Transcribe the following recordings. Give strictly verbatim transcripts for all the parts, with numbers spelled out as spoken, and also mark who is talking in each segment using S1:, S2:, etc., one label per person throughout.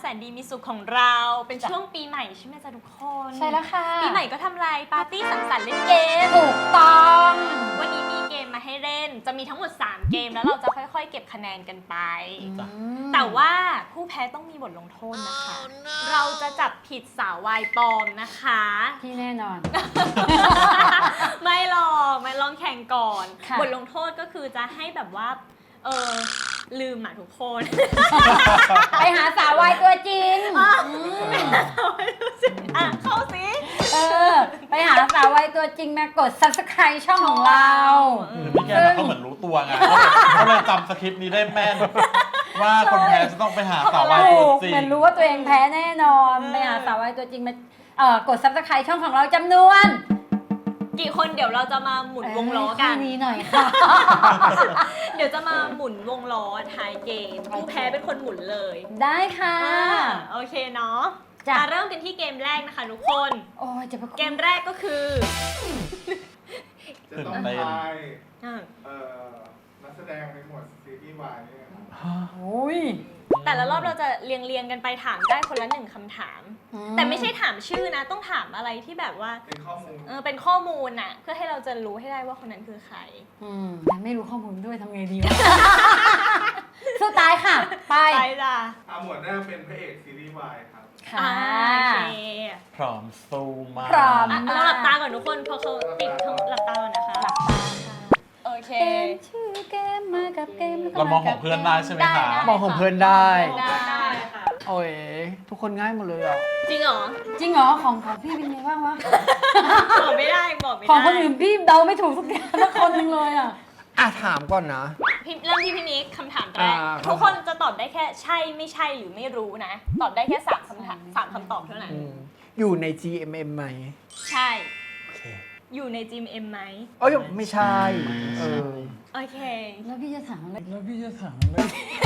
S1: แสนดีมีสุขของเราเป็นช่วงปีใหม่ใช่ไหมจ๊ะทุกคน
S2: ใช่แล้วค่ะ
S1: ปีใหม่ก็ทำอะไรปาร์ตี้สังสรรค์เล่นเกม
S2: ถูกต้อง
S1: วันนี้มีเกมมาให้เล่นจะมีทั้งหมดสามเกมแล้วเราจะค่อยๆเก็บคะแนนกันไป
S2: อืม
S1: แต่ว่าผู้แพ้ต้องมีบทลงโทษนะคะ เราจะจับผิดสาววายปลอมนะคะ
S2: ที่แน่นอน
S1: ไม่หรอกมาลองแข่งก่อน
S2: ค่ะ
S1: บทลงโทษก็คือจะให้แบบว่าเออลืมอ่ะทุกคน
S2: ไปหาสาววายตัวจริงอืม
S1: อ่ะเข้าสิ
S2: เออ ไปหาสาววายตัวจริงมากด ซับสไครบ์ ช่องของเรา
S3: หรือพี่แก้มเขาเหมือนรู้ตัวไงเขาเลยจำสคริปต์นี้ได้แม่น ว่าคนแพ้จะต้องไปหาสาววาย
S2: ถู
S3: ตัว
S2: ก
S3: จริง
S2: เหมือนรู้ว่าตัวเองแพ้แน่นอน ไปหาสาววายตัวจริงมาเอ่อกด ซับสไครบ์ ช่องของเราจำนวน
S1: กี่คนเดี๋ยวเราจะมาหมุนวงล้อกัน
S2: เยนี้หน่อยค่ะ
S1: เดี๋ยวจะมาหมุนวงล้อท้ายเกมผู้แพ้เป็นคนหมุนเลย
S2: ได้ค่ะ
S1: อ่าโอเคเนาะ
S2: จ้ะ
S1: มาเริ่มกันที่เกมแรกนะคะทุกคน
S2: โอ้ยจะประ
S1: เกมแรกก็คือ
S4: จะต้องทาย
S1: อ่า
S4: เอ่อนักแสดงในหมวดซีรีส์วายเนี่ยครับ
S2: โอ้ย
S1: แต่ละรอบเราจะเรียงเรียงๆกันไปถามได้คนละหนึ่งคำถาม แต่ไม่ใช่ถามชื่อนะ ต้องถามอะไรที่แบบว่า
S4: เป็นข้อมูล
S1: เออเป็นข้อมูลน่ะ เพื่อให้เราจะรู้ให้ได้ว่าคนนั้นคือใคร
S2: อืมแต่ไม่รู้ข้อมูลด้วยทำไงดีวะ สู้ตายค่ะ ไป
S1: ไปจ้ะ
S4: อ่าหมวดแรกเป็นพระเอกซีรีส์วายครับ
S2: ค่ะ
S1: อ่าโอเค
S3: พร้อมสู้มาก
S2: พร้อม
S1: อ่ะเราหลับตาก่อนทุกคนเพราะเขาติดทั้งหลับตาก่อนนะคะ
S2: หลับตาค่ะ
S1: โอเค
S2: เกมชื่อเกมมากับเกม
S3: เรามองของเพื่อนได้ใช่ไหมคะ
S1: ได้
S5: มองของเพื่อนได้
S1: ได้ได้ค่ะ
S5: โอ้ยทุกคนง่ายหมดเลยอ่ะ
S1: จริงเหรอ
S2: จริงเหรอของของพี่เป็นไงบ้างวะ
S1: บอกไม่ได้บอกไม่ได้
S2: ของคนอื่นพี่เดาไม่ถูกสักอย่างสักคนหนึงเลยอ่ะ
S5: อ่ะถามก่อนนะ
S1: พี่เริ่มที่พี่นิกคำถามแรก
S5: อ่า
S1: ทุกคนจะตอบได้แค่ใช่ไม่ใช่หรือไม่รู้นะ ตอบได้แค่สามคำถามสามคำตอบเท่านั้น
S5: อืมอยู่ใน จี เอ็ม เอ็ม ไหม
S1: ใช่
S5: โอเค
S1: อยู่ในจิมเอ็มไหม
S5: เอ้ยไม่ใช่เออ
S1: โอเค
S2: แล้วพี่จะถามอะไร
S5: แล้วพี่จะถามอะไร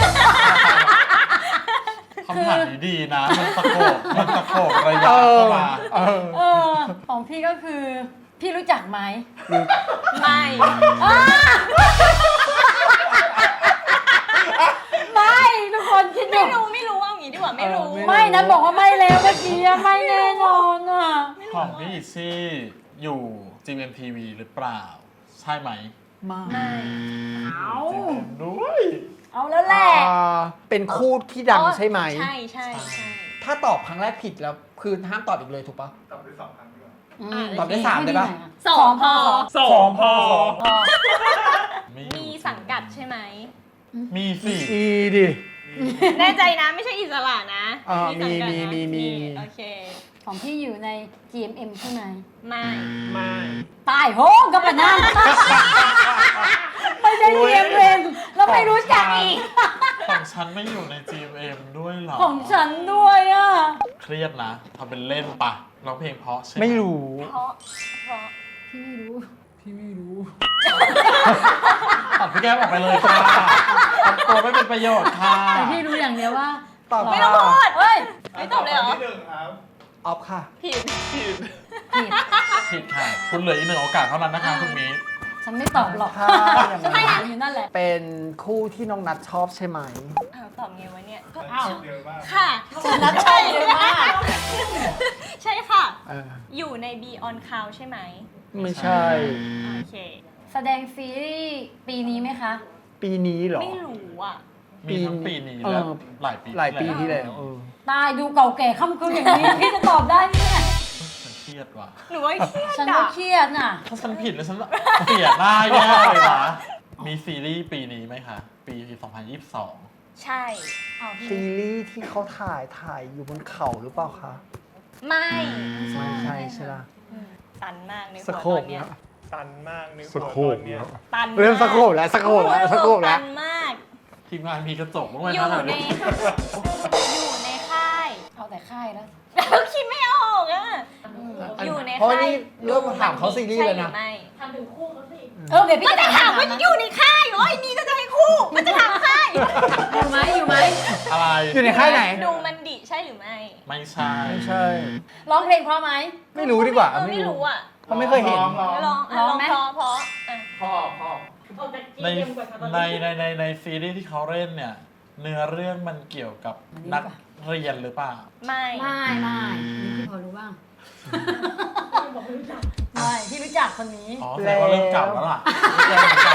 S3: คำถามนี้ดีนะ มันตะโกบมันตะโกบระยะเข้ามา
S5: เออ
S2: เออของพี่ก็คือ พี่รู้จักไหม
S1: ไม่
S2: ไม่ทุกคนคิดดู
S1: ไม่รู้ไม่รู้เอางี้ดีกว่าไม่รู้
S5: เออ
S2: ไม่นะบอกว่าไม่แล้วเมื่อกี้อะไม่แน่นอนอ่ะ
S3: ของพี่อิซี่อยู่ จี เอ็ม ที วี หรือเปล่า ใช่ไหม
S5: มา
S2: เอา
S3: ด้วย
S2: เอาแล้วแหละ
S5: อ่าเป็นคู่ที่ดังใช่ไหม
S1: ใช่ใช่ใช่
S5: ถ้าตอบครั้งแรกผิดแล้วคือห้ามตอบอีกเลยถูกปะ
S4: ตอบได้สองครั้งดีกว่า
S2: ม
S5: ตอบได้สามได้ปะ
S1: สองพอ
S3: สองพอ
S2: พอ
S1: มีสังกัดใช่ไหม
S3: มีสิ
S5: อีดิ
S1: แน่ใจนะไม่ใช่อิสระนะ
S5: อ่า
S1: สังกัด
S5: มี
S1: นะ
S5: มีมีมี
S1: โอเค
S2: ของพี่อยู่ใน จี เอ็ม เอ็ม ใช่ไหม
S1: ไม่
S5: ไม่
S2: ตายโหงก็ปะนั่นไม่ใช่ จี เอ็ม เอ็ม แล้วไม่รู้จักอีก
S3: ของฉันไม่อยู่ใน จี เอ็ม เอ็ม ด้วยเหรอ
S2: ของฉันด้วยอ่ะ
S3: เครียดนะทำเป็นเล่นปะร้องเพลงเพราะใช่ไหม
S5: ไม่รู้
S1: เพราะเพราะ
S2: พี่ไม่รู้
S5: พี่ไม่รู้
S3: ตัดพี่แก้มออกไปเลยค่ะทำตัวไม่เป็นประโยชน์ค่ะ
S2: แต่พี่รู้อย่างเดียวว่า
S5: ตอบ
S1: ไม่ต้องพูด
S2: เฮ้ย
S1: ไม่ตอบเลยเหรอ
S4: ข้ที่หนึ่งครับ
S5: ออฟค่ะ
S1: ผิด
S2: ผิด
S3: ผิดค่ะ คุณเหลืออีกหนึ่งโอกาสเท่านั้นนะคะคุณมี
S2: ฉันไม่ตอบหรอก
S5: ค่ะ
S2: ฉันไม่ถามอยู่นั่นแหละ
S5: เป็นคู่ที่น้องนัทชอบใช่ไหม
S1: อ้าวตอบไงวะเนี่ยก็
S4: อ้าวเยอะมาก
S1: ค่ะ
S2: ฉันนัดใช่เลยมาก
S1: ใช่ค่ะ
S5: เออ
S1: อยู่ใน Be on Cloud ใช่ไหม
S5: ไม่ใช่
S1: โอเค
S2: แสดงซีรีส์ปีนี้ไหมคะ
S5: ปีนี้เหรอ
S1: ไม่รู้อ่ะ
S3: มีทั้งปีนี้
S5: เออ
S3: และหลายปี
S5: หลายปีที่แล้วเออ
S2: ตายดูเก่าแก่ค่ำคืนอย่างนี้ พี่จะตอบได้ไหมเนี่ย
S3: ฉันเครียดว่ะ
S1: หนูว่าเครียด
S2: ฉันก็
S1: อ่ะ
S2: เครียดน่ะ
S3: ถ้าฉันผิดแล้วฉันเสียหน้าแย่เลยนะ มีซีรีส์ปีนี้ไหมคะ ปี สองพันยี่สิบสอง
S1: ใช่
S2: เอาพี่
S5: ซีรีส์ที่เขาถ่ายถ่ายอยู่บนเขาหรือเปล่าคะ
S1: ไม่
S5: ไม่ใช่ใช่ไหม
S1: อืมตันมากในหั
S5: ส
S1: ว
S5: โค
S1: ต
S5: ป
S1: อนเนี้ย
S5: เนาะ
S4: ตันมากใน
S5: สโคปเนาะ
S1: ตัน
S5: เริ่มสโคปแล้วสโคปแล้วสโคปแล้ว
S1: ตันมาก
S3: ทีมงานมีกระจกบ้างไหม
S1: อยู่
S3: คะ
S1: ใน อยู่ในค่าย
S2: เอาแต่ค่ายแล้ว
S1: แล้วคิดไม่ออกอ่ะ อยู่ใน
S5: เพราะ
S1: ค่าย
S5: นี่เริ่มมาถามเขาซีรีส์เลยนะ
S1: ใช่หอไม่
S2: เออเดี๋ยวพี่
S1: ก็
S2: จะ
S1: จะถามว่าอยู่ในค่ายเหรอไอ้นี่ก็จะให้คู่มันจะถามค่าย
S2: อยู่ไหมอยู่ไหม
S3: อะไร
S5: อยู่ในค่ายไหน
S1: ดูมันดิใช่หรือไม่
S3: ไม่ใช่
S5: ไม่ใช่
S2: ร้องเพลงเพราะไหม
S5: ไม่รู้ดีกว่า
S1: เออไม่รู้อ่ะ
S5: เขาไม่เคยเห็น
S4: พอ
S1: ลองอ่ะ
S2: ร้
S1: ล
S2: อ
S1: อง ง
S2: ไหม
S1: เพราะเพราะอ่ะ
S4: พ่อพ่อ
S3: ในในในในในซีรีส์ที่เขาเล่นเนี่ย
S2: อ
S3: เนื้อเรื่องมันเกี่ยวกับนักเรียนหรือเปล่า
S1: ไม่
S2: ไม่ไม่นี่พี่พอรู้บ้างไม่พี่รู้จักคนนี้
S3: อ๋อแสดงว่าเริ่มเก่าแล้วล่ะเริ่มเก่า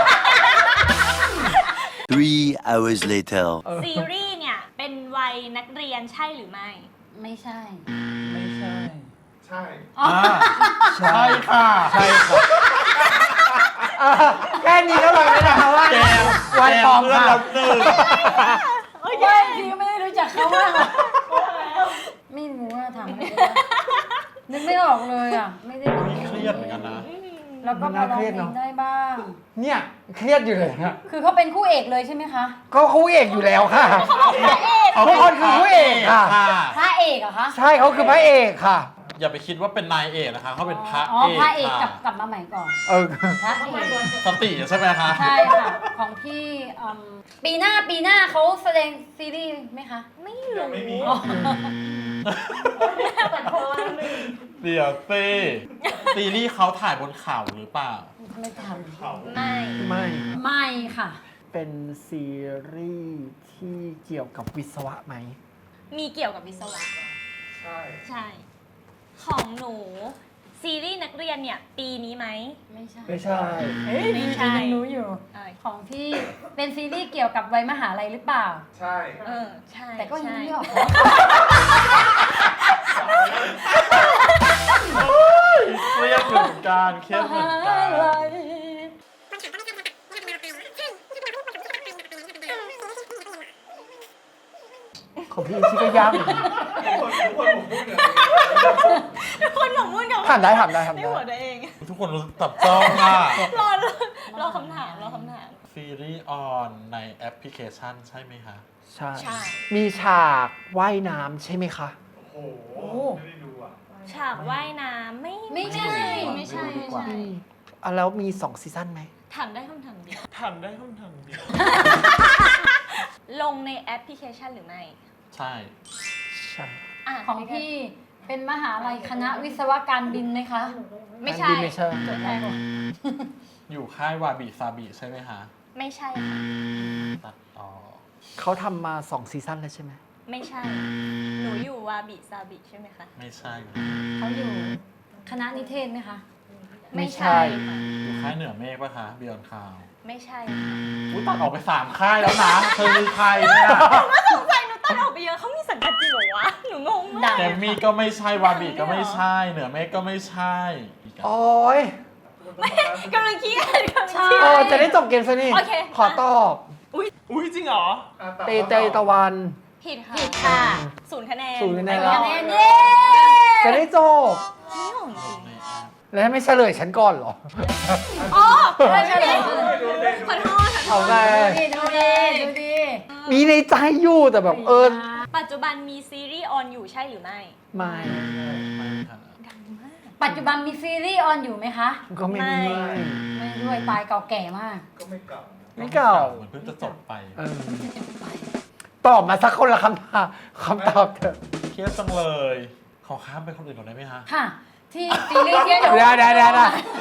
S6: Three hours later.
S1: ซีรีส์เนี่ยเป็นวัยนักเรียนใช่หรือไม่
S2: ไม่ใช่
S5: ไม่ใช่
S4: ใช่
S3: อ่าใช่ค่ะ ใช่ค่ะ
S5: อ่ะแค่นี้ก็รู้แล้วนะคะว่า
S3: แกม
S5: วัน
S3: แก
S5: ปลอ
S3: ม
S5: ม
S3: เพื่อน
S5: ค่ะ
S3: เราหนึ่ง
S2: ไม่พี่ก็ไม่ได้รู้จักเขามากหรอกไม่รู้ว่าถามอะไรก็ได้นึกไม่ออกเลยอ่ะ ไม่ได้
S3: มีเครียดเหมือนกันนะ
S2: แล้วก็พอร้องเพลงได้บ้าง
S5: เนี่ยเครียดอยู่เลยนะ
S2: คือเขาเป็นคู่เอกเลยใช่ไหมคะ
S5: ก็คู่เอกอยู่แล้วค่ะ
S3: เขา
S5: ทุกคนคือผู้เอกค่ะ
S2: พระเอกเหรอคะ
S5: ใช่เขาคือพระเอกค่ะ
S3: อย่าไปคิดว่าเป็นนายเอกนะคะเขาเป็นพระ
S2: อ๋อ
S3: เอก
S2: พระเอกกลั
S3: ค่ะ
S2: บกลับมาใหม่ก่อน
S5: เออ
S2: พระเอก
S3: สติใช่ไหมคะ
S2: ใช่ค่ะ ของพี่อืมปีหน้าปีหน้าเขาแสดงซีรีส์ไหมคะ
S1: ไม่
S4: ยั
S1: รู้
S4: งไม่มี
S1: แต่โทษ
S3: เดี๋ยวสิซีรีส์เขาถ่ายบนเขาหรือเปล่า
S2: ไม่ท
S1: ไม่
S5: ไม่
S2: ำไม่ค่ะ
S5: เป็นซีรีส์ที่เกี่ยวกับวิศวะไหม
S1: มีเกี่ยวกับวิศวะ
S4: ใช่
S1: ใช่ ของหนูซีรีส์นักเรียนเนี่ยปีนี้ไหม
S2: ไม่ใช่
S5: ไม่ใช่
S1: ไม่ใช่
S2: ยังรู้อยู่
S1: เออ
S2: ของพี่เป็นซีรีส์เกี่ยวกับวัยมหาลัยหรือเปล่า
S4: ใช่
S1: เออใช่
S2: แต่ก็ยัง
S1: ใช่
S2: ไม่ออก
S3: เครียดเหมือนกันเครียดเหมือนกัน
S5: ของพี่ชื่อก็ยากเหมือนกัน
S4: ทุกคนทุกคนผมพูดเนี่ย
S1: ทุกคนหมกมุ่นกับ
S5: ถามได้ถามได้ถาม
S1: ใน
S5: ได้
S1: หัวตัวเอง
S3: ทุกคนรู้สึกตับจ้องอ่ะ
S1: รอรอรอคำถามรอคำถาม
S3: ซีรีส์ออนในแอปพลิเคชันใช่ไหมคะ
S5: ใช่
S1: ใช่
S5: มีฉากว่ายน้ำใช่ไหมคะ
S4: โอ้โห ไม่ได้ดูอ่ะ
S1: ฉากว่ายน้ำไม่
S2: ไม่ใช่
S1: ไม่ใช่
S3: ไม่รู้ดี
S1: ไม่
S3: กว่า
S1: ใช่
S5: อ่ะแล้วมีสองซีซั่นไหม
S1: ถามได้คำถามเดียว
S3: ถามได้คำถามเดียว
S1: ลงในแอปพลิเคชันหรือไม่
S3: ใช่
S5: ใช่
S1: อ่ะ
S2: ของพี่เป็นมหาลัยคณะวิศวการบินไหมคะ
S1: ไม่ใช่
S5: อันนี้ไม่ใช่
S2: จดได้หมด
S3: อยู่ค่ายวาบิซาบิใช่ไหมคะ
S1: ไม่ใช่ค่ะ
S3: ตัดต่อ
S5: เขาทำมาสองซีซั่นแล้วใช่ไหม
S1: ไม่ใช่ หนูอยู่วาบิซาบิใช่ไหมคะ
S3: ไม่ใช่
S2: เขาอยู่คณะนิเทศไหมคะ
S1: ไม่ใช่ค่ะ
S3: อยู่ค่ายเหนือเมฆปะคะบิออนคาว
S1: ไม่ใช่ค่ะ
S3: อุ้ยตัดออกไปสามค่ายแล้วนะเธอคือใครเนี่ย
S1: สงสัยหนูตัดออกไปเยอะเขามีสังกัดจริงเหรอวะ หนูงงมาก
S3: แกมมี่ก็ไม่ใช่วาบิก็ไม่ใช่ เหนือเมฆก็ไม่ใช่อีกอะ
S5: โอ้ย
S1: กำลังเครียดกำลังเครีย
S5: เออ
S1: ด
S5: จะได้จบเกมซะนี่
S1: โอเค
S5: ขอตอบ
S3: อุ้ยจริงเหรอ
S4: อ่ะตอบ
S5: เตเตตะวัน
S1: ผิดค่ะ
S2: ผิดค่ะ
S1: ศูนย์คะแนน
S5: ศูนย์คะแนน
S2: คะแนนเย้
S5: จะได้จบ
S1: นี่ของจริง
S5: แล้วไม่เฉลยฉันก่อนเหรอ
S1: อ๋อ
S2: ไม่ใช่เลย
S1: ขอโทษขอโท
S5: เอา
S1: ษ
S5: ไง
S2: ดูดีดูดี
S5: มีในใจอยู่แต่แบบเออ
S1: ปัจจุบันมีซีรีส์ออนอยู่ใช่หรือไม่
S5: ไม่
S3: ไม่ค่ะ
S1: ดังมาก
S2: ปัจจุบันมีซีรีส์ออนอยู่ไหมคะ
S5: ก็ไม่มี
S1: ไม่
S2: ไม่ด้วยตายเก่าแก่มาก
S4: ก็ไม่เก่า
S5: ไม่เก่า
S3: เหมือนเพิ่งจะจบไป
S5: เออตอบมาสักคนละคำถามคำตอบเถอะ
S3: เครียดจังเลย ขอข้ามไปคนอื่นก่อนได้ไหมคะ
S2: ค่ะ ที่ซีรีส์ที่หนู
S5: ได้ได้ได้ได้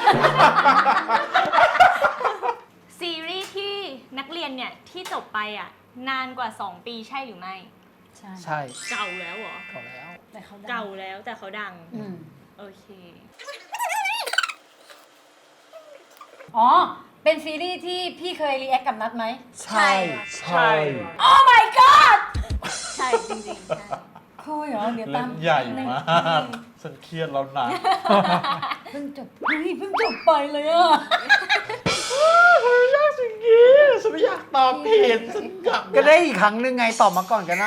S1: ซีรีส์ที่นักเรียนเนี่ยที่จบไปอ่ะนานกว่า สอง ปีใช่หรือไม่
S2: ใช่
S5: ใช่
S1: เก่าแล้วเหรอ
S5: ก่อนแล้ว
S2: แต่เขาดัง
S1: เก่าแล้วแต่เขาดัง
S2: อืม
S1: โอเค
S2: อ๋อ เป็นซีรีส์ที่พี่เคยรีแอคกับนัดไหม
S5: ใช่ใช่
S2: โอ้ my god
S1: ใช่จริงๆใช่
S2: คุยเหรอ เดี๋ยว
S3: เล่
S2: ตาม
S3: นใหญ่มาก ฉันเครียดแล้วนะ
S2: เพิ่งจบเฮ้ยเพิ่งจบไปเลยอ่ะ
S3: ทำไมยากสิ่งนี้ฉันไม่อยากตอบผิดฉันอยาก
S5: ก็ได้อีกครั้งหนึ่งไงตอบมาก่อนก็ได้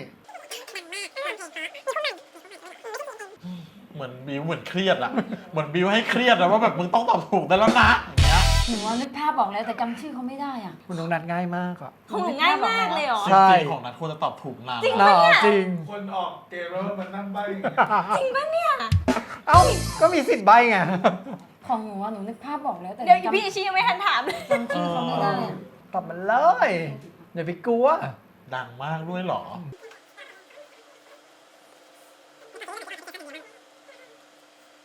S3: เหมือนบิวเหมือนเครียดอะเหมือนบิวให้เครียดอะว่าแบบมึงต้องตอบถูกได้แล้วนะอย่างเงี้ย
S2: หนูว่านึกภาพบอกแล้วแต่จำชื่อเขาไม่ได้อ่ะ
S5: คุณน้องนัดง่ายมากอ่ะ
S1: ของหนูง่ายมากเลยเหรอ
S3: จ
S5: ใช่
S3: ริงๆของนั้นควรจะตอบถูกนาน
S1: จริง
S3: แล้ว
S5: น่าจริง
S4: คนออกเกมแล้วมันนั่งใบ้อย่างเงี้ย
S1: จริงปะเนี่ย
S5: เอ้า ก็มีสิทธิ์ใบไง
S2: ของหนูว่าหนูนึกภาพบอกแล้วแต่
S1: เดี๋ยว
S2: จำ
S1: พี่อิชิยังไม่ทันถามเลย
S2: จำชื่อเขาไม่ได้อะ
S5: ตอบมันเลย อย่าไปกลัว
S3: ดังมากด้วยเหรอ
S5: ช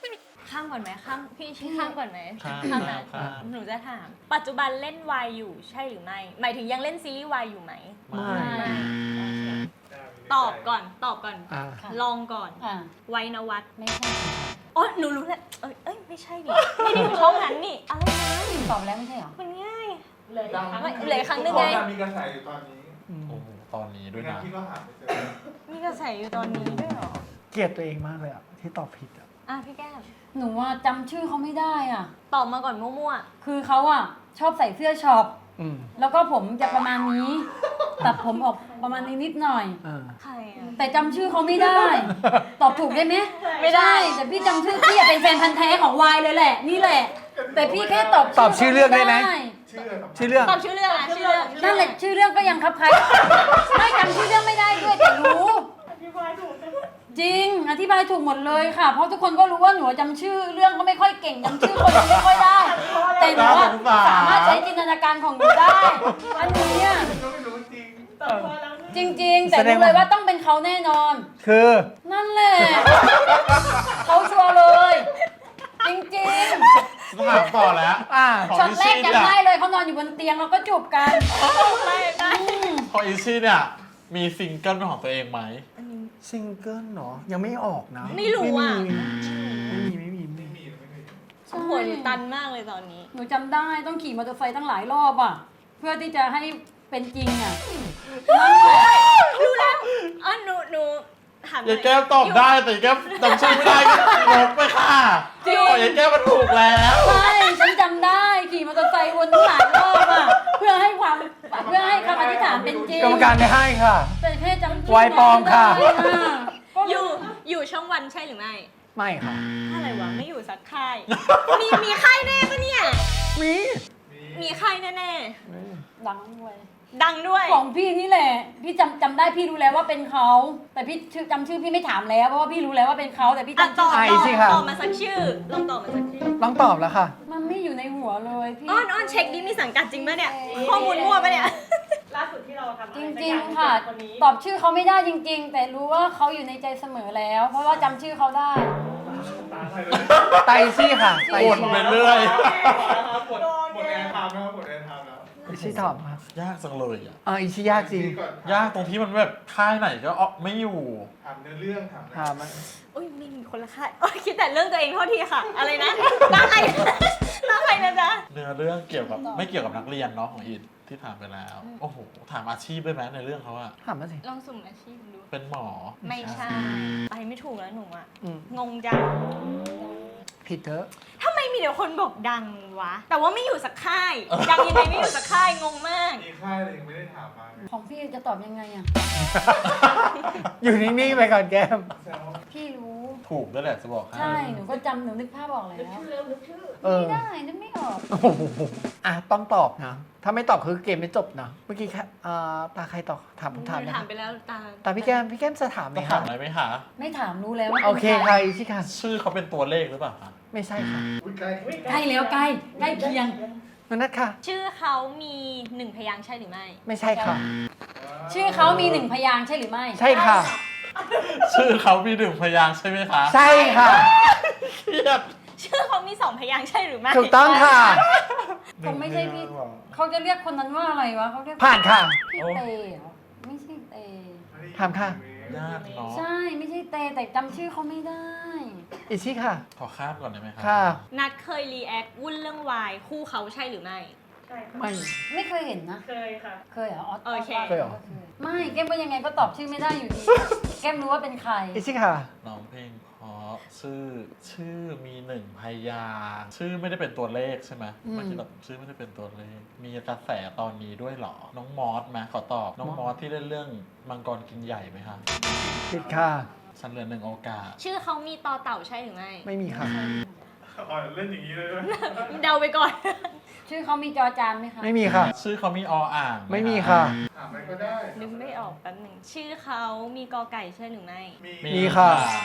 S1: ข้ามก่อนไหมข้ามพี่ชี้ข้ามก่อนไหม
S3: ข้าม
S1: ข้าม
S3: ข้า
S1: นะ
S3: มข้าม
S1: หนูจะถาม ปัจจุบันเล่นวายอยู่ใช่หรือไม่ หมายถึงยังเล่นซีรีส์วายอยู่ไหม
S3: ไม่
S2: ไม่
S1: ตอบก่อนตอบก่อน
S5: อ่า
S2: ค่ะ
S1: ลองก่อน
S2: อ่า
S1: ไวนวัฒน์
S2: ไม่ใช่
S1: อ๋อหนูรู้แล้วเอ้ยเอ้ยไม่ใช่ดิไม่ได้อยู่ช่องนั้นนี่อะไรนะ
S2: ตอบแล้วไม่ใช่เหรอ
S1: มันง่าย
S4: เลย
S1: ไม่เหลือครั้งหนึ่ง
S4: ขอ
S1: ไง
S4: งมีกระแสอยู่ตอนนี้
S5: อืม
S3: โอ้โหตอนนี้ด้วย
S4: งั้น
S3: นะ
S4: คิดว่าหาไม่เจอ
S1: มีกระแสอยู่ตอนนี้ด้วยเหรอ
S5: เกลียดตัวเองมากเลยอ่ะ ที่ตอบผิดอ่ะ
S1: อ่ะพี่แก้ม
S2: หนูว่าจำชื่อเขาไม่ได้อ่ะ
S1: ตอบมาก่อนมั่ว
S2: คือเขาอ่ะชอบใส่เสื้อช็อป
S5: อืม
S2: แล้วก็ผมจะประมาณนี้ ตัดผมออกประมาณนี้นิดหน่อย
S5: อ่า
S1: ๆใครอ่ะ
S2: แต่จำชื่อเขาไม่ได้ ตอบถูกได้ไหม
S1: ไม่ได้
S2: ใช่แต่พี่จำชื่อพี่อะเป็นแฟนพันธ์แท้ของวายเลยแหละ นี่แหละ แต่พี่แค่ตอบ
S5: ตอบชื่อเรื่องได้ไหม
S4: ชื่ออะไรสำคัญ
S5: ชื่อเรื่อง
S1: ตอบชื่อเรื่องอ่ะชื่อเรื่อง
S2: นั่นแหละชื่อเรื่องก็ยังคับใครไม่จำชื่อเรื่องไม่ได้ด้วยแต่รู้ จริง อธิบายถูกหมดเลยค่ะ เพราะทุกคนก็รู้ว่าหนูจำชื่อเรื่องก็ไม่ค่อยเก่งจำชื่อคนไม่ค่อยได้ แต่หนูอะสามารถใช้จินตนาการของหนูได้ อันนี้อะ
S4: ก็ไม่รู้จริง
S2: จริง ๆ แต่รู้เลยว่าต้องเป็นเขาแน่นอน
S5: คือ
S2: นั่นแหละ เขาชัวร์เลย จริง
S3: ถามต่อแล้ว
S5: อ่า
S3: ของ
S2: ๆช็อต
S3: อิ
S2: แร
S3: ซี่
S2: ก
S3: เนี่ย
S2: จำได้เลยเขานอนอยู่บนเตียงแล้วก็จูบกัน
S1: ไม่ได้
S2: อืม
S3: ของอิซี่เนี่ย มีซิงเกิลเป็นของตัวเองไหม
S5: ซิงเกิลเนาะยังไม่ออกนะ
S1: ไม่รู้อ่ะ
S5: ไม่มีไม่มีไม่
S4: ไม่
S5: มี
S4: มีไม่มี
S1: หัวหนูตันมากเลยตอนนี้
S2: หนูจำได้ต้องขี่มอเตอร์ไซค์ตั้งหลายรอบอ่ะ เพื่อที่จะให้เป็นจริงอ่ะนั่นแหละ
S1: รู้แล้วอ๋อหนูหนูถามหน่
S3: ยา
S1: อย
S3: แก้วตอบได้แต่ยายแก้วจำชื่อไม่ได้ก็ลบไปค่ะขอยายแก้วมันถูกแล้ว
S2: ใช่ฉันจำได้ขี่มอเตอร์ไซค์วนตั้งหลายรอบอ่ะเพื่อให้ความเพื่อให้คำอธิษฐานเป็นจริง
S5: กรรมการไม่ให้ค่ะ
S2: แต่แค่จำชื่
S5: ไวปลอมค่ะ
S2: ไม่ได้อะก็
S1: อยู่อยู่ช่องวันใช่หรือไม่
S5: ไม่ค่ะ
S1: อะไรวะไม่อยู่สักค่าย มีมีค่ายแน่ปะเนี่ย
S5: มี
S1: มีค่ายแน่
S2: ดังด้วย
S1: ๆดังด้วย
S2: ของพี่นี่แหละ พี่จำจำได้พี่รู้แล้วว่าเป็นเขา แต่พี่ชื่อจำชื่อพี่ไม่ถามแล้วเพราะว่าพี่รู้แล้วว่าเป็นเขาแต่พี่
S1: อ่ะ
S2: จำ
S1: ต
S2: ชื่
S1: อ
S2: อบ
S1: ตอบ
S5: สิค่ะ
S1: ตอบมาสักชื่อลองตอบมาสักชื่อ
S5: ต้องตอบแล้วค่ะ
S2: มันไม่อยู่ในหัวเลยพี่
S1: อ้อนอ้อนเช็คดิมีสังกัดจริงปะเนี่ย ข้อมูลมั่วปะเนี่ย
S7: ล่าสุดที่เราทำ
S2: จริงๆค่ะ
S7: คนนี้
S2: ตอบชื่อเขาไม่ได้จริง ๆ แต่รู้ว่าเขาอยู่ในใจเสมอแล้ว เพราะว่าจำชื่อเขาได้
S4: ตาใครเลย
S5: ไตซี่ค่ะ ไต
S3: วน
S5: ซี่
S3: ไปเรื่อย
S4: หมดหมดแอร์ไทม์นะครับหมดแอร์ไทม์แล้ว
S5: อิชิตอบครับ
S3: ยากจังเลยอ่ะ
S5: อ่าอิชิยากจริง
S4: ก่อน
S3: ยากตรงที่มันแบบค่ายไหนก็ออกไม่อยู่
S4: ถามเนื้อเรื่องถาม
S5: ถามมัน
S1: อุ้ยไม่มีคนละค่ายโอ้ยคิดแต่เรื่องตัวเองโทษทีค่ะ อะไรนะตั้งใครตั้งใครนะจ๊ะ
S3: เนื้อเรื่องเกี่ยวกับไม่เกี่ยวกับนักเรียนเนาะของอินที่ถามไปแล้ว โอ้โห ถามอาชีพด้วยไหมในเรื่องเขาอะ
S5: ถามมาสิ
S1: ลองสุ่มอาชีพดู
S3: เป็นหมอ
S1: ไม่ใช่ ไปไม่ถูกแล้วหนูอะ
S5: อืม
S1: งงจัง
S5: ผิดเถอะ
S1: ทำไมมีแต่คนบอกดังวะ แต่ว่าไม่อยู่สักค่าย ดังยังไงไม่อยู่สักค่ายงงมาก
S4: มีค่ายอะไรยังไม่ได้ถามมาเลย
S2: ของพี่จะตอบยังไงอ่ะ
S5: อยู่นิ่งๆไปก่อนแก้ม
S4: แซว
S2: พี่รู้
S3: ถูกด้วยแหละจะบอกให้
S2: ใช่ หนูก็จำหนูนึกภาพออกแล้ว
S5: เออ
S2: ไม่ได้นึกไม่ออก
S5: โอ้โหอ่ะต้องตอบนะ ถ้าไม่ตอบคือเกมไม่จบนะ เมื่อกี้แค่อ่าตาใครตอบถามผมถามนะ
S1: ถามไปแล้วตา
S5: ตาพี่แก้มพี่แก้มจะถามไหม
S3: ต้อง
S5: คะ
S3: ถามอะไรไหมคะ
S2: ไม่ถามรู้แล้วว่า
S5: โอเค
S2: ป็น
S5: ค่ะอิชิค่ะ
S3: ชื่อเขาเป็นตัวเลขหรือเปล่าคะ
S5: ไม่ใช่ค่ะ
S4: อุ้ยใกล้
S2: ใกล้แล้วใกล้ใกล้เคียง
S5: นันนัทค่ะ
S1: ชื่อเขามีหนึ่งพยางค์ใช่หรือไม่
S5: ไม่ใช่ค่ะ
S2: ชื่อเขามีหนึ่งพยางค์ใช่หรือไม่
S5: ใช่ค่ะ
S3: ชื่อเขามีหนึ่งพยางค์ใช่ไหมคะ
S5: ใช่ค่ะ
S3: เครียด
S1: ชื่อเขามีสองพยางค์ใช่หรือไม่
S5: ถูกต้องค่ะ
S2: คงไม่ใช่พี่ เขาจะเรียกคนนั้นว่าอะไรวะเขาเรียก
S5: ผ่านค่ะ
S2: พี่เตเหรอไม่ใช่เต
S5: ถามค่ะ
S3: ยากเนาะ
S2: ใช่ไม่ใช่เตแต่จำชื่อเขาไม่ได้
S5: อิชิค่ะ
S3: ขอข้ามก่อนได้ไหมคะ
S5: ค่ะ
S1: นัดเคยรีแอควุ่นเรื่องวายคู่เขาใช่หรือไม่
S7: ใช่ค่ะ
S5: ไม่
S2: ไม่เคยเห็นนะ
S7: เคยค่ะ
S2: เคยเหรอออส
S1: โอเค
S5: เคยเหรอ
S2: ไม่แก้มก็ยังไงก็ตอบชื่อไม่ได้อยู่ดี แก้มรู้ว่าเป็นใคร
S5: อิชิค่ะ
S3: น้องเพลงเพราะชื่อชื่อมีหนึ่งพยางค์ชื่อไม่ได้เป็นตัวเลขใช่ไหม
S2: อืม
S3: เมื่อกี้แบบชื่อไม่ได้เป็นตัวเลข มีกระแสตอนนี้ด้วยเหรอ น้องมอสไหมขอตอบ น้องมอสที่เล่นเรื่องมังกรกินใหญ่ไหมคะ
S5: ผิดค่ะ
S3: ฉันเหลือหนึ่งโอกาส
S1: ชื่อเขามีต่อเต่าใช่หรือไม่
S5: ไม่มีค่ะ
S4: อ๋อเล่นอย่างนี้เลยด้วย
S1: เดาไปก่อน
S2: ชื่อเขามีจอจานไหมคะ
S5: ไม่มีค่ะ
S3: ชื่อเขามีออ่างห
S5: ไม่มีค่ะ
S4: ถามไปก็ได้
S1: นึกไม่ออกแป๊บหนึ่งชื่อเขามีกอไก่ใช่หรือไม่
S4: มี
S5: มีค่ะ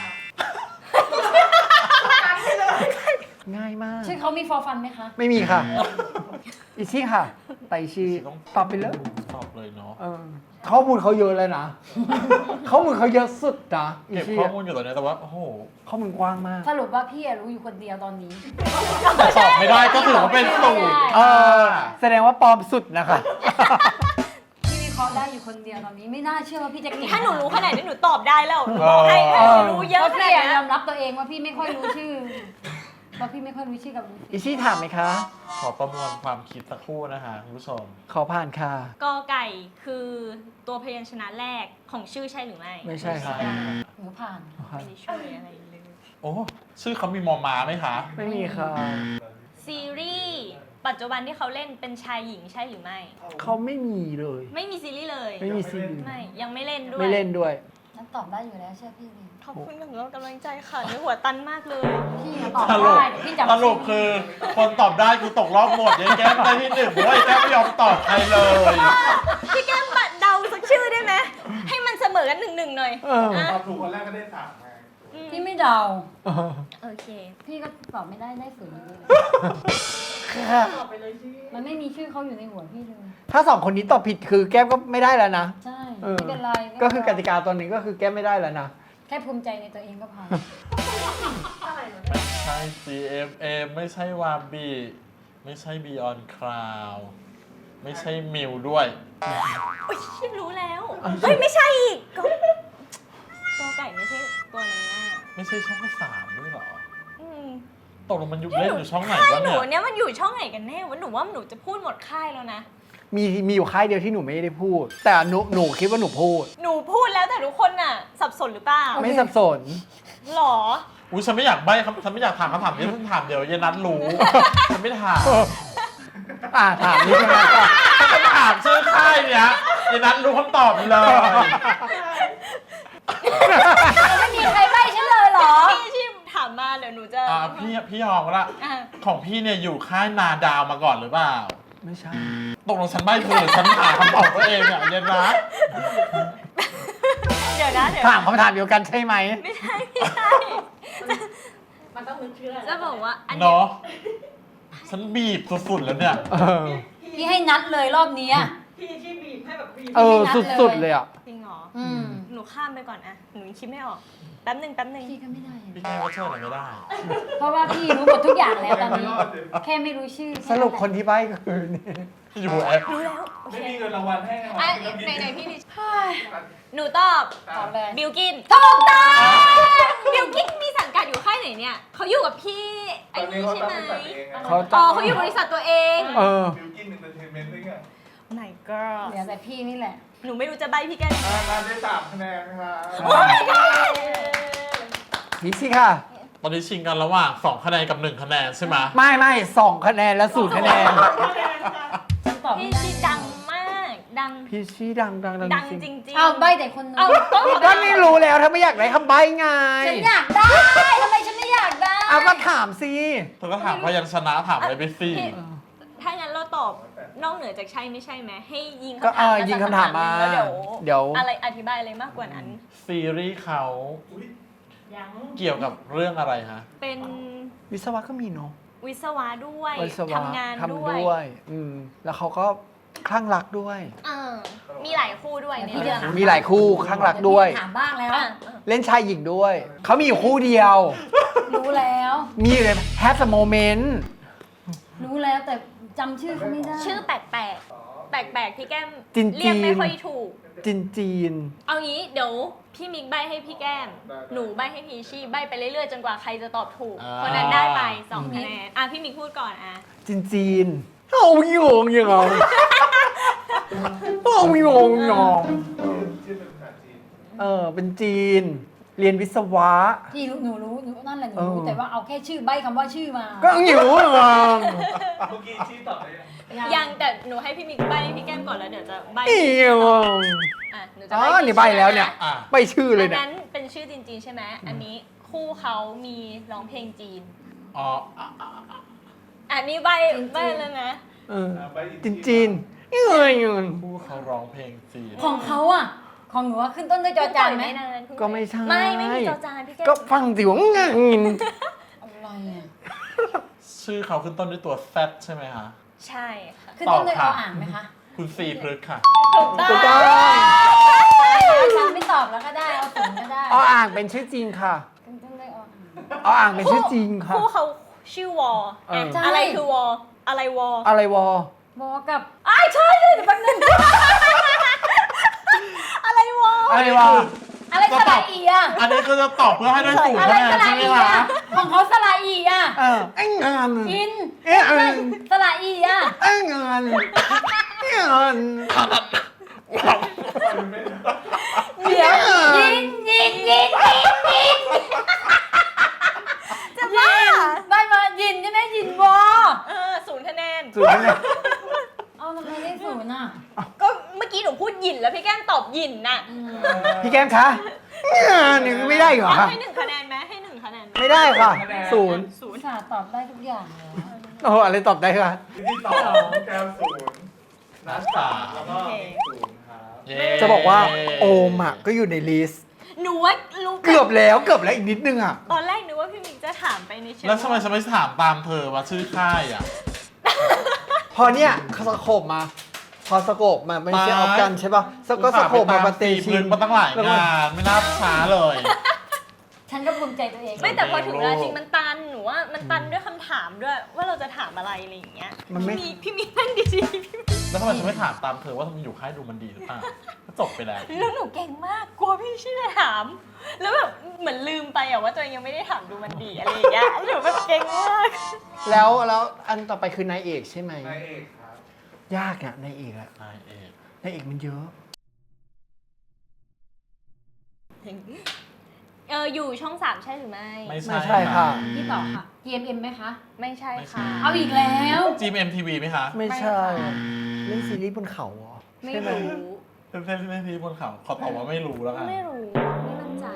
S5: ง่ายมาก
S2: ชื่อเขามีฟอร์ฟันไหมคะ
S5: ไม่มีค่ะ อิชิค่ะ ไตชีตอบไปเลย
S3: ตอบเลยเนาะนาะ
S5: เออข้อมูลเขาเยอะเลยนะ ข้อมูลเขาเยอะสุดนะอี
S3: เก็บ
S5: ชี่
S3: ข้อมูลอยู่ตอนนี้แต่ว่าโอ้โห
S5: ข้อมูลกว้างมาก
S2: สรุปว่าพี่อะรู้อยู่คนเดียวตอนนี้
S3: ตอบไม่ได้ก็ถือว่าเป็นสูตร
S5: เออแสดงว่าปลอมสุดนะคะ
S2: พี่วิเคราะห์ได้อยู่คนเดียวตอนนี้ไม่น่าเชื่อว่าพี่จะเก่ง
S1: ถ้าหนูรู้ขนาดนี้หนูตอบได้แล้วหนูบอกให้
S5: เอ
S1: ห
S5: อ
S1: นูรู้เยอะ
S2: เพราะ
S1: ข
S2: พี่
S1: นาด
S2: อะ
S1: นี้
S2: ยอมรับตัวเองว่าพี่ไม่ค่อยรู้ชื่อเพราะพี่ไม่ค่อยรู้ชื่อกับรู้
S5: อี
S2: สิ
S5: ชี่ถามไหมคะ
S3: ขอประมวลความคิดสักครู่นะคะคุณผู้ชม
S5: ขอผ่านค่ะ
S1: กอไก่คือตัวพยัญชนะแรกของชื่อใช่หรือไม่
S5: ไม่ใช่ค่ะ
S2: หนูผ่าน
S1: ไม่ได้ช่วยอะไรเลย
S3: โอ้ชื่อเขามีมอมาไหมคะ
S5: ไม่มีค่ะ
S1: ซีรีส์ปัจจุบันที่เขาเล่นเป็นชายหญิงใช่หรือไม่
S5: เขาไม่มีเลย
S1: ไม่มีซีรีส์เลย
S5: ไม่มีซีรีส์
S1: ไม่ยังไม่เล่นด้วย
S5: ไม่เล่นด้วย
S2: นั่นตอบได้อยู่แล้วเชื่อพี่ดิ
S1: ขอบคุณสำหรับกำลังใจค่ะในหัวตันมากเลย
S2: พี่อะตอบ
S3: สรุป
S2: ได้แต่พี่จำ
S3: สรุปคือคนตอบได้คือตกรอบหมดยายแก้มได้ที่หนึ่งเพราะว่าไอ้แก้มไม่ยอมตอบใครเลย
S1: พี่แก้มบัดเดาสักชื่อได้ไหมให้มันเสมอกันหนึ่งหนึ่งหน่อย
S5: เออ
S1: ะ
S4: ตอบถูกคนแรกก็ได้สามไง
S1: อืม
S2: พี่ไม่เดา
S5: เออ
S1: โอเค
S2: พี่ก็ตอบไม่ได้ได้ศูนย์อยู่ดี
S5: ค่ะ
S2: มันไม่มีชื่อเขาอยู่ในหัวพี่เลย
S5: ถ้าสองคนนี้ตอบผิดคือแก้มก็ไม่ได้แล้วนะ
S2: ใช่
S5: เออ
S2: ไม่เป็นไร
S5: ก็คือกติกาตัวนี้ก็คือแก้มไม่ได้แล้วนะ
S2: แค่ภูมิใจในตัวเองก็พอ
S3: ใช่ ซี เอ็ม เอ็ม ไม่ใช่วาบีไม่ใช่ Beyond Cloud ไม่ใช่มิวด้วย
S1: อุ้ยฉันรู้แล้ว เฮ้ย ไม่ใช่อีกก็ตัวไก่ไม่ใช่ตัวนั้นน่ะ
S3: ไม่ใช่ช่องสามด้วยเหรอ
S1: อืม
S3: ตกลงมันอยู่เล่นอยู่ช่องไหน
S1: ค่ายว
S3: ะ
S1: หนู
S3: เนี่ย
S1: เนี่ยมันอยู่ช่องไหนกันแน่วะหนูว่าหนูจะพูดหมดค่ายแล้วนะ
S5: มีมีอยู่ค่ายเดียวที่หนูไม่ได้พูด แต่หนูหนูคิดว่าหนูพูด
S1: หนูพูดแล้วแต่ทุกคนน่ะ สับสนหรือเปล่า
S5: ไม่สับสน
S1: หรอ
S3: อุ้ยฉันไม่อยากใบ้คำฉันไม่อยากถามคำถามนี้ฉันถามเดี๋ยวเยนัทรู้ ฉันไม่ถาม
S5: อ่าถามนี่ใช่ไหม
S3: ฉันถามชื่อค่ายเนี่ยเยนัทรู้คำตอบเลย
S2: ไม่มีใครใบ้ฉันเลยเหรอ
S1: พี่ชิมถามมาเดี๋ยวหนูจะ
S3: อ่าพี่พี่ยอมก็ละ
S1: อ่ะ
S3: ของพี่เนี่ยอยู่ค่ายนาดาวมาก่อนหรือเปล่า
S5: ไม่ใช่
S3: ตกลงฉันใบ้ถูกหรือฉันหาคำตอบตัวเองเนี่ยเยนัท
S1: เดี๋ยวนะเดี๋ยว
S5: ถามคำถามเดียวกันใช่ไหม
S1: ไม่ใช่ไม่ใช่
S7: มันต้องนึกชื่ออะไร
S1: จะบอกว่าอันนี้
S3: เนาะฉันบีบสุดๆแล้วเนี่ย
S5: เออ
S2: พี่ให้นัดเลยรอบนี้อะ
S7: พี่ที่บีบให้แบบบีบ
S5: เออ สุดๆเลยอ่ะ
S1: จริงเหรอ
S2: อืม
S1: หนูข้ามไปก่อนอะหนูยังคิดไม่ออก แป๊บหนึ่งแป๊บหนึ่ง
S2: พี่ก็ไม่ได้อะ
S3: พี่แก้วก็เชื่ออะไรไม่ได้
S2: เพราะว่าพี่รู้หมดทุกอย่างแล้วตอนนี้ แค่ไม่รู้ชื่อ
S5: สรุปคนที่ใบ้ก็คือนี่
S3: อยู่แอป
S1: รู้แล้ว โอ
S4: ไม่
S1: เค
S4: มีเงินรางวัลให้ไง
S1: อ่ะไหนไหนๆพี่ดิหนูตอบ
S2: ตอบเลย
S1: บิลกินถูกต้องบิลกินมีสังกัดอยู่ค่ายไหนเนี่ย เขาอยู่กับพี่
S4: ต
S1: ไอ้
S4: อนนี้
S1: นี่
S4: เขา
S1: ใช่
S4: ตั้ง
S1: ไหม
S4: บริษัทเองไง
S5: เขา
S1: อ๋อเขาอยู่บริษัทตัวเอง
S5: เออ
S4: บิวกินเอนเตอร์เทนเมนต์ด้วยไง
S1: My girl
S2: เหลือแต่พี่นี่แหละ
S1: หนูไม่รู้จะใบพี่แกยังไง
S4: อ่ามาได้สามคะแนนครับ
S1: โอ้ my god
S5: นี่สิค่ะ
S3: ตอนนี้ชิงกันระหว่างสองคะแนนกับหนึ่งคะแนนใช่ไหม
S5: ไม่ไม่สองคะแนนและศูนย์คะแนน
S2: ฉันตอบไม่
S1: พี่
S2: ได้
S1: ชีดังมาก ดัง
S5: พี่ชี้ดังดังดัง
S1: ดัง
S5: จ
S1: จ
S5: ริง
S1: ริงๆ
S2: เอาใบแต่คนนึง
S1: เอาต้อง
S5: ก็นี่รู้แล้วถ้าไม่อยากได้คำใบ้ไง
S2: ฉันอยากได้ทำไมฉันไม่อยากได้
S5: เอาก็ถามสิ
S3: เธอก็ถามพยัญชนะถามอะไรไปสิ
S1: ถ้างั้นเราตอบนอกเหนือจากใช่ไม่ใช่ไหมให้ยิง
S5: ก็
S1: คำถาม
S5: เออยิงคำถามมา
S1: แล้วเดี๋ยว
S5: เดี๋ยว
S1: อะไรอธิบายอะไรมากกว่านั้น
S3: ซีรีส์เขา
S4: อุ๊ย
S7: ยัง
S3: เกี่ยวกับเรื่องอะไรฮะ
S1: เป็น
S5: วิศวะก็มีเนาะ
S1: วิศวะด้วย
S5: วิศวะ
S1: ทำงาน
S5: ทำ
S1: ด้วย
S5: ด้วย อืมแล้วเขาก็คลั่งรักด้วย
S1: เออมีหลายคู่ด้วยในเรื่อง
S5: มีหลายคู่คลั่งรักด้วย
S2: ถามบ้างแล้ว
S1: อ่ะ
S5: เล่นชายหญิงด้วย เขามีอยู่คู่เดียว
S2: รู้แล้ว
S5: มีอยู่ใน have a moment
S2: รู้แล้วแต่จำชื่อเขาไม่ได้
S1: ชื่อแปลกๆ แปลกๆพี่แก้ม
S5: จีน
S1: เรียกไม่
S5: จีน
S1: ค่อยถูก
S5: จีนจีน
S1: เอางี้เดี๋ยวพี่มิกใบให้พี่แก้ม หนูใบให้พี่ชี่ใบไปเรื่อยๆจนกว่าใครจะตอบถูก
S3: อ่า
S1: คนนั้นได้ไปสองคะแนนอ่ะพี่มิกพูดก่อนอ่ะ
S5: จีนจีนเอาโยงยังไงเอาโยงยอง
S4: ชื่อเป็นภาษาจีน
S5: เออเป็นจีน เรียนวิศวะ
S2: พี่รู้หนูรู้หนูนั่นแหละหนู
S5: เออ
S2: รู้แต่ว่าเอาแค่ชื่อใบคำว่าชื่อมา
S5: ก็อยู่อ่ะ
S4: เมื่อกี้ชื่อตอบได้ยัง
S1: ยังแต่หนูให้พี่มิกใบให้พี่แก้มก่อนแล้วเดี๋ยวจะใบ
S5: เอี่ยว
S1: อ่ะหนูจะ
S5: อ๋
S1: ใบ
S5: อ
S1: พี่
S5: นี่ใบแล้วเนี่ย
S3: อ่ะ
S5: ไปชื่อเลย
S1: อัน
S5: เนี่ย
S1: นั้นเป็นชื่อจีนๆใช่ไหมอันนี้คู่เขามีร้องเพลงจีน
S3: อ๋ออ่ะอ่ะ
S1: อันนี้ใบใบแล้วนะ
S5: เออ
S4: อ่าใบอีก
S5: จีนจีนเอ้ยเงิน
S3: ผู้เขาร้องเพลงจีน
S2: ของเขาอ่ะ ของหนูว่าขึ้นต้นด้วยจอจานไหม
S1: นาน
S5: ก็ไม่ใช่
S1: ไม่ไม่มีจอจานพี่แก้ม
S5: ก็ฟังสิวงางิน
S2: อะไรอ่ะ
S3: ชื่อเขาขึ้นต้นด้วยตัว Z ใช่ไหมคะ
S1: ใช่ค่ะ
S2: ขึ้นต้นด้วย
S3: ตอบ
S2: อ
S3: ค่ะ
S2: อ่างไหมคะ
S3: คุณซีพฤกษ์ค่ะ
S1: ถูกต้อง
S5: ถูกต้อง
S2: ฉันไม่ตอบแล้วก็ได้เอาศูนย์ก็ได้
S5: ออ่างเป็นชื่อจริงค่ะ
S2: ต้องได้ออก
S5: ออ่างเป็นชื่อจริงค่ะ
S1: คู่เขาชื่อวอ
S5: เออ
S1: อะอะไรคือวออะไรวอ
S5: อะไรวอ
S2: บอกกับอ้ายใช่เลยเดี๋ยวแป๊บนึง
S1: อะไรวอ
S5: อะไรวอ
S2: อะไรสระอีอ่ะ
S3: อันนี้ก็จะตอบเพื่อให้ได้ศูนย์
S2: อะไร
S3: คะแนน
S2: สระ
S3: ใช่ไหม
S2: อี
S3: คะ
S2: อ่ะของเขาสระอีอ่ะ
S5: เออไอ้งาน
S2: อิน
S5: เอ๊ะเออ
S2: สระอีอ่ะ
S5: ไอ้งานไอ้งาน
S2: เดี๋ยวยิงยิงยิงยิงยิง
S1: จะบ้า
S2: ได้มายินใช่ไหมยินวอ
S1: เออศูนย์คะแนน
S5: ศูนย์เนี่ย
S2: เอาทำไมได้ศูนย์อ่ะ
S1: ก็เมื่อกี้หนูพูดหยินแล้วพี่แก้มตอบหยินน่ะ
S5: พี่แก้มคะหนึ่งไม่ได้เหรอ
S1: เอา
S5: คะ
S1: ให้หนึ่งคะแนนไหมให้หนึ่งคะแนนไหม
S5: ไม่ได้ค่ะศูนย์
S1: ศูนย์
S2: สาตอบได้ทุกอย่างเลย
S5: โอ้โหอะไรตอบได้คะ
S4: ซีรีส์สองแก้วศูนย์นัดสามแล้วก็ศูนย์ครับ
S3: เย้
S5: จะบอกว่าโอมอ่ะก็อยู่ในลิสต์
S1: หนูว่ารู้
S5: เกือบแล้วเกือบแล้วอีกนิดนึงอ่ะ
S1: ตอนแรกนึกว่าพี่มิกจะถามไปในเชิง
S3: แล้วทำไมฉันไม่ถามตามเธอว่าชื่อค่ายอ่ะ
S5: พอเนี่ยสโคบมา พอสโคบมาไม่ใช่ออฟกันใช่ป่ะสก็สโคบมาปฏิ
S3: ชี
S5: ชิน
S3: มาตั้งหลายงานไม่น่าช้าเลย
S2: ฉันก็ภูมิใจตัวเอง
S1: ไม่แต่พอถึงเวลาจริงมันตันหนูว่ามันตันด้วยคำถามด้วย ว่าเราจะถามอะไรอะไรอย่างเงี้ย
S5: มันไม่
S1: พี่พี่มิกนั่งดีๆพี่มิก
S3: แล้วทำไมฉันไม่ถามตามเธอว่ามันอยู่ค่ายดูมันดีหรือเปล่าก็จบไปแล้ว
S1: แล้วหนูเก่งมากกลัวพี่ชื่อจะถาม แล้วแบบเหมือนลืมไปอะว่าตัวเองยังไม่ได้ถามดูมันดีอะไรอย่างเงี้ยหนูแบบเก่งมาก
S5: แล้วแล้วอันต่อไปคือนายเอกใช่ไหม
S4: นายเอกครับ
S5: ยากอ่ะนายเอกอ่ะ
S3: นายเอก
S5: นายเอกมันเยอะ
S1: เอออยู่ช่องสามใช่หรือไม่
S3: ไม่
S5: ไม่ใช่ค่ะ
S2: พี่ต่อค่ะ จี เอ็ม เอ็ม ไหมคะ
S1: ไม่ใช่ค่ะ
S2: เอาอีกแล้ว
S3: จีเอ็มทีวีไหมคะ
S5: ไม่ใช่
S1: ไม่ค่ะ
S5: เล่นซีรีส์บนเขาเหรอ
S1: ไม่
S5: ใช่ไหม
S1: รู้
S3: เป็นเส้นที่ไม่ทีบนเขาขอตอบว่าไม่รู้แล้วกัน
S1: ไม่รู้ไม่มั่นใจ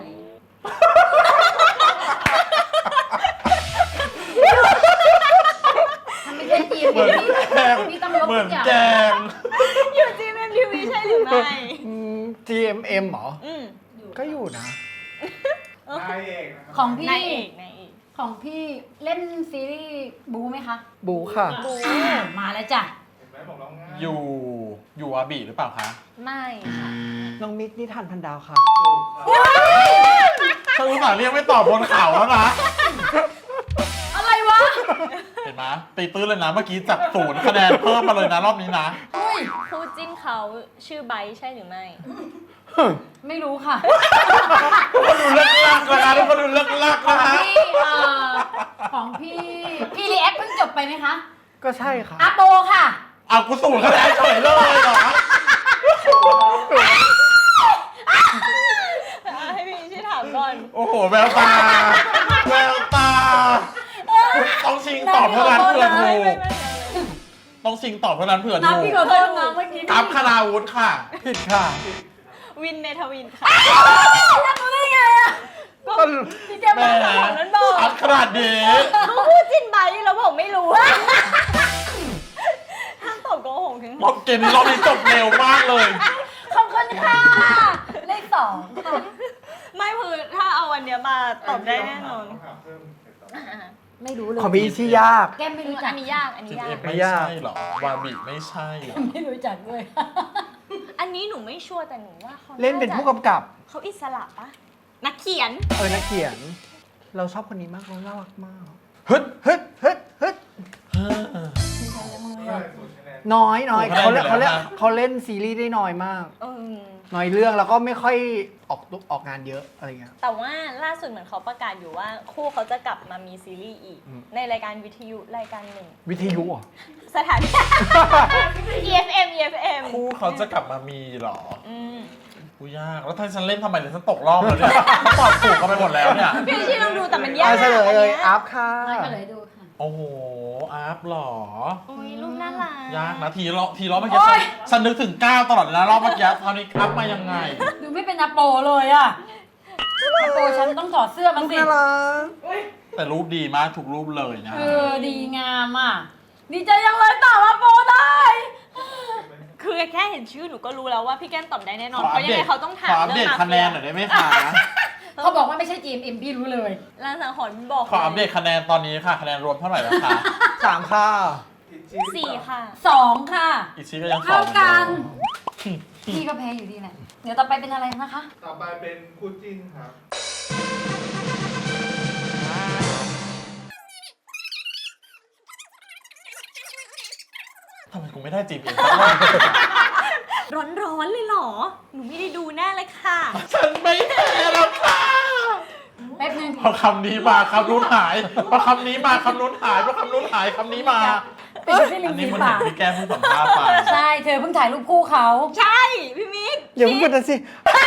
S2: มันไม่ใช่จีเอ็ม
S3: เหมือนแกง
S2: พี่ต้องยก
S3: เหมื
S2: ทุ
S3: อน
S2: กอย่าง
S3: แกง
S1: อยู่จีเอ็มทีวีใช่หรือไม่
S5: อืม จี เอ็ม เอ็ม เหรอ
S1: อืม
S5: ก็อยู่นะ
S4: นายเอกนะครับ
S2: ของพี่
S1: นายเอกนายเอก
S2: ของพี่เล่นซีรีส์บูไหมคะ
S5: บูค่ะ
S1: บู
S2: มาแล้วจ้ะ
S4: เห็นไหมบอกแล้วง่าย
S3: อยู่อยู่อาบีหรือเปล่าคะ
S1: ไม่ค่ะ
S5: น้องมิกนิทานพันดาวค่ะ
S4: ถูกครับ
S3: ฉันอุตส่าห์เรียกไม่ตอบบนเขาแล้วนะ
S2: อะไรวะ
S3: เห็นไหมตีตื้นเลยนะเมื่อกี้จับศูนย์คะแนนเพิ่มมาเลยนะรอบนี้นะ
S2: อุ้ย
S1: คู่จิ้นเขาชื่อไบร์ทใช่หรือไม่
S2: ไม่รู้ค่ะ
S3: ทุกคนดูเลิกลักนะคะทุกคนดูเลิกลัก
S2: ขอ
S3: นะ
S2: ง
S3: คะ
S2: พี่เอ่อของพี่ พี่รีแอคเพิ่งจบไปไหมคะ
S5: ก็ใช่ค่ะ
S2: อาโปค่ะ
S3: เอากูศูนย์คะแนนเฉยเลยเหรอ
S1: ให้พี่ช่วยถามก่อน
S3: โอ้โหแววตาแววตาต้องชิงตอบเท่านั้นเผื่อถู
S1: ไม่
S3: ก
S1: ไม่ไม่
S3: ต้องชิงตอบเท่านั้นเผื่อ
S2: น้ำ
S3: ถู
S2: พี่
S3: ก
S2: ขอโทษนะเมื่อกี้
S3: อัพคณาวุฒิค่ะ
S5: ผิดค่ะ
S1: วินเมทวินค่ะ
S2: แล้วรู้ได้ไงอะ
S5: ก็
S1: พี่แก
S3: แห
S1: มาของนั้นบอก
S3: อัพขนาดนี้
S1: ก็พูดจิ้นไบร์ทแล้วผมไม่รู้ห้ามตอบโกหกถึง
S3: รอบเกมนี้รอบนี้จบเร็วมากเลย
S2: ขอบคุณค่ะ เลขสองค่ะ
S1: ไม่คือถ้าเอาอันเนี้ยมาตอบได้แน่นอน
S4: ต้องถามเพิ่มเสร็จแล้ว
S1: อ่ะ
S2: ไม่รู้เลย
S5: ของพี่ชื่อยาก
S2: แก้มไม่รู้จั
S1: อั
S2: ก
S1: นนี้ยากอันนี้
S3: จิม
S1: ยา
S3: เอ็
S1: ก
S3: มไม่ใช่หรอ วาบิไม่ใช่หรอ
S2: ไม่รู้จักด้วย
S1: อันนี้หนูไม่ชัวร์แต่หนูว่าเขา
S5: เล่นเป็นผู้กำกับ
S1: เขาอิสระปะนักเขียน
S5: เออนักเขียน เราชอบคนนี้มากเราน่ารักมากฮึดฮึดฮึดฮึด
S4: ใช่ศูนย์คะแนน
S5: น้อยน้อย
S3: ถูก
S5: เขา
S3: คะแนน
S5: เล่น
S3: อยู่
S5: เขา
S3: แล้วนะ
S5: เล่นเขาเล่นซีรีส์ได้น้อยมาก
S1: เออ
S5: น้อยเรื่องแล้วก็ไม่ค่อยออกออกงานเยอะอะไรเงี้ย
S1: แต่ว่าล่าสุดเหมือนเขาประกาศอยู่ว่า คู่เขาจะกลับมามีซีรีส์อีก
S5: อืม
S1: ในรายการวิทยุรายการหนึ่ง
S5: วิทยุเหรอ
S1: สถานี อี เอฟ เอ็ม อี เอฟ เอ็ม
S3: คู่เขาจะกลับมามีหรอ
S1: อืม
S3: กูยาก แล้วถ้าฉันเล่นทำไมเนี่ยฉันตกรอบแล้วเนี่ยฉันตอบถูกกันไปหมดแล้วเนี่ย
S1: พี่ชี่ลองดูแต่มันยาก
S5: อ่ะเฉลยเลย
S1: นนี้
S5: อัพค่ะ
S2: มาเฉลยดูค่ะ
S3: โอ้โห อาร์ฟหรอ
S1: โอ้ยรูปน่ารัก
S3: ยากนะทีรอบทีรอบเมื่อกี้ฉันฉันนึกถึงก้าวตลอดเลยนะรอบเมื่อกี้คราวนี้อัพมายังไง
S2: ดูไม่เป็นอาโปเลยอะอาโปฉันต้องถอดเสื้อมันสิ
S5: น่ารัก
S3: แต่รูปดีมากทุกรูปเลยนะ
S2: เออ ดีงามอ่ะ ดีใจยังเลยตอบอาโปได้
S1: คือแค่เห็นชื่อหนูก็รู้แล้วว่าพี่แก้มตอบได้แน่นอน
S3: ขอ
S1: เพ
S3: อัป
S1: ราะยัง
S3: เด
S1: ไง
S3: ต
S1: เขาต้องถา
S3: ข
S1: ม
S3: ออัปเด
S1: เรื่
S3: ต
S1: อง
S3: คะแนนหน่อยได้ไหมคะ
S2: เขาบอกว่าไม่ใช่ จี เอ็ม เอ็ม พี่รู้เลย
S1: ลางสังหรณ์บอก
S3: ขออัปเดตคะแนนตอนนี้ค่ะ คะแนนรวมเท่าไหร่แล้วคะ
S5: สามค่ะ
S4: ผิดชิ
S1: สี่ค่ะ
S2: สองค่ะ
S3: อีชีก็ยังสอ
S2: เท่าง กัน
S3: เหมือเดิม
S2: พี่ก็แพ้อยู่ดีแหละเดี๋ยวต่อไปเป็นอะไรนะคะ
S4: ต่อไปเป็นคู่จิ้นครับ
S3: ทำไมกูไม่ได้จีบเองสักรอบ
S1: ร้อนๆเลยเหรอ หนูไม่ได้ดูแน่เลยค่ะ
S3: ฉันไม่แพ้แล้วค่ะ
S2: แป๊บนึง
S3: พอคำนี้มาคำนู้นหายพอคำนี้มาคำนู้นหายพอคำนู้นหายคำนี้มา
S2: ปิดที่ริ
S3: อั
S2: ม
S3: น
S2: ฝี
S3: นี้มัน
S2: ปา
S3: เห็น
S2: ก
S3: พี่แก้มเพิ่งสัมภาษณ์ไป
S2: ใช่เธอเพิ่งถ่ายรูปคู่เขา
S1: ใช่ พี่มิก
S5: อย่าเพิ่งพูดนะสิ
S1: ใช่